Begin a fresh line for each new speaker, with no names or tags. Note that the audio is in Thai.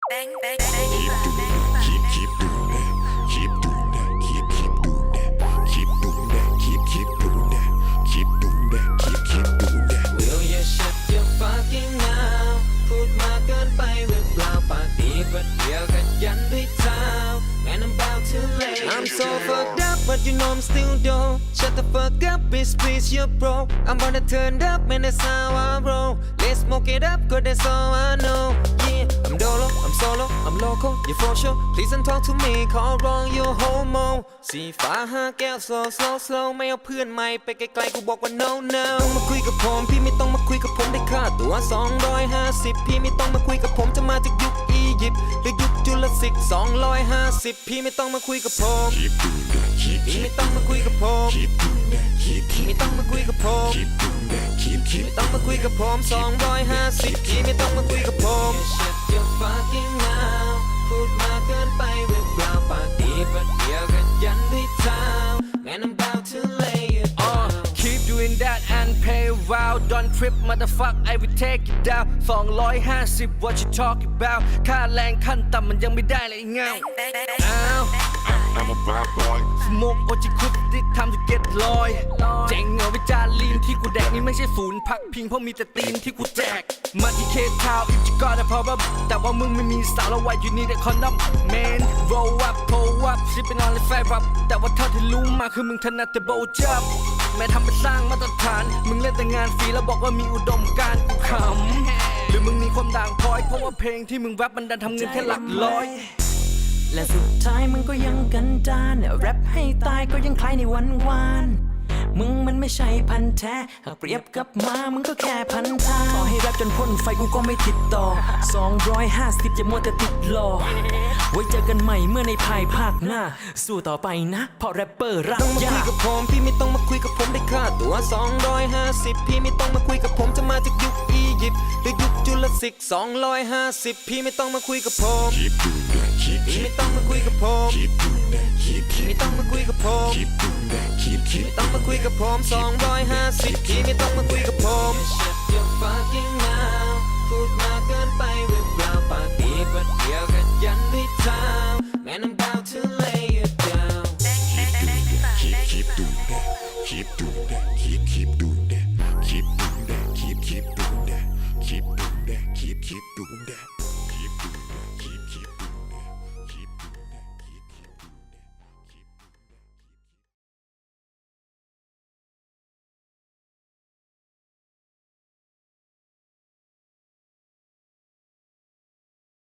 Keep doing that, keep doing that, keep doing that, keep doing that, keep doing that, keep doing that, keep doing that, keep doing that.
Will you shut your fucking mouth พูดมากเกินไปหรือเปล่าปากดีประเดี๋ยวก็ยันด้วยเท้า Man I'm about to lay I'm so fucked up but you know I'm still dope Shut the fuck up bitch please you're broke I'm gonna turn up man that's how I roll Let's smoke it up cause that's all I know Yeah I'm dolo I'm solo I'm local you for sure Please don't talk to me call wrong you homo สีฟ้าห้าแก้ว slow slow slow ไม่เอาเพื่อนใหม่ไปไกลๆกูบอกว่า no no ต้องมาคุยกับผมพี่ไม่ต้องมาคุยกับผมได้ค่าตัว250พี่ไม่ต้องมาคุยกับผมจะมาจากยุคอียิปต์หรือยุคจุลศิษย์250พี่ไม่ต้องมาคุยกับผม
Keep doing that,
พี่ไม่ต้องมาคุยกับผม
keep doing that,
ไม่ต้องมาคุยกับผม
keep doing that,
ไม่ต้องมาคุยกับผม250พี่ไม่ต้องมาคุยกับผม Shut your fucking mouth พูดมากเกินไปหรือเปล่าปากดีประเดี๋ยวก็ยันด้วยเท้า Man I'm about to lay it down
Keep doing that and pay wow Don't trip motherfuck I will take you down 250 what you talk about ค่าแรงขั้นต่ำมันยังไม่ได้เลยเงาอ้าว
I'm a bad boy
สโมกโอจิคุติทำจะเก็ตลอยเจ๋งเหงาวิจารลีนที่กูแดกนี่ไม่ใช่ศูนย์พักพิงเพราะมีแต่ตีนที่กูแจกมาที่เคทาวอิฟจิกอร์แต่พอแบบแต่ว่ามึงไม่มีสาวแล้วไว้อยู่นี่แต่คอนดอม Man roll up pull up sipping on the fire up แต่ว่าเท่าที่รู้มาคือมึงถนัดแต่โบจับแม่ทำไปสร้างมาตรฐานมึงเล่นแต่งานฟรีแล้วบอกว่ามีอุดมการณ์กูขำหรือมึงมีความด่างพร้อยเพราะว่าเพลงที่มึงแรปมันดันทำเงินแค่หลักร้อย
และสุดท้ายมึงก็ยังกันดานแรปให้ตายก็ยังคล้ายในวันวานมึงมันไม่ใช่พันแท้หากเปรียบกับมามึงก็แค่พันทางขอให้แรปจนพ้นไฟกูก็ไม่ติดต่อ250อย่ามัวแต่ติดรอไว้เจอกันใหม่เมื่อในภายภาคหน้าสู้ต่อไปนะเพราะแรปเปอร์รัก
ต้องมาคุยกับผมพี่ไม่ต้องมาคุยกับผมได้ค่าตัว250พี่ไม่ต้องมาคุยกับผมจะมาจากยุคอียิปต์หรือยุคจุลศิษย์250พี่ไม่ต้องมาคุยกับผม
keep doing that,
พี่ไม่ต้องมาคุยกับผม
keep doing that,
ไม่ต้องมาคุยกับผม
keep doing that,
ไม่ต้องมาคุยกับผม250พี่ไม่ต้องมาคุยกับผม Shut your fucking mouth พูดมากเกินไปหรือเปล่า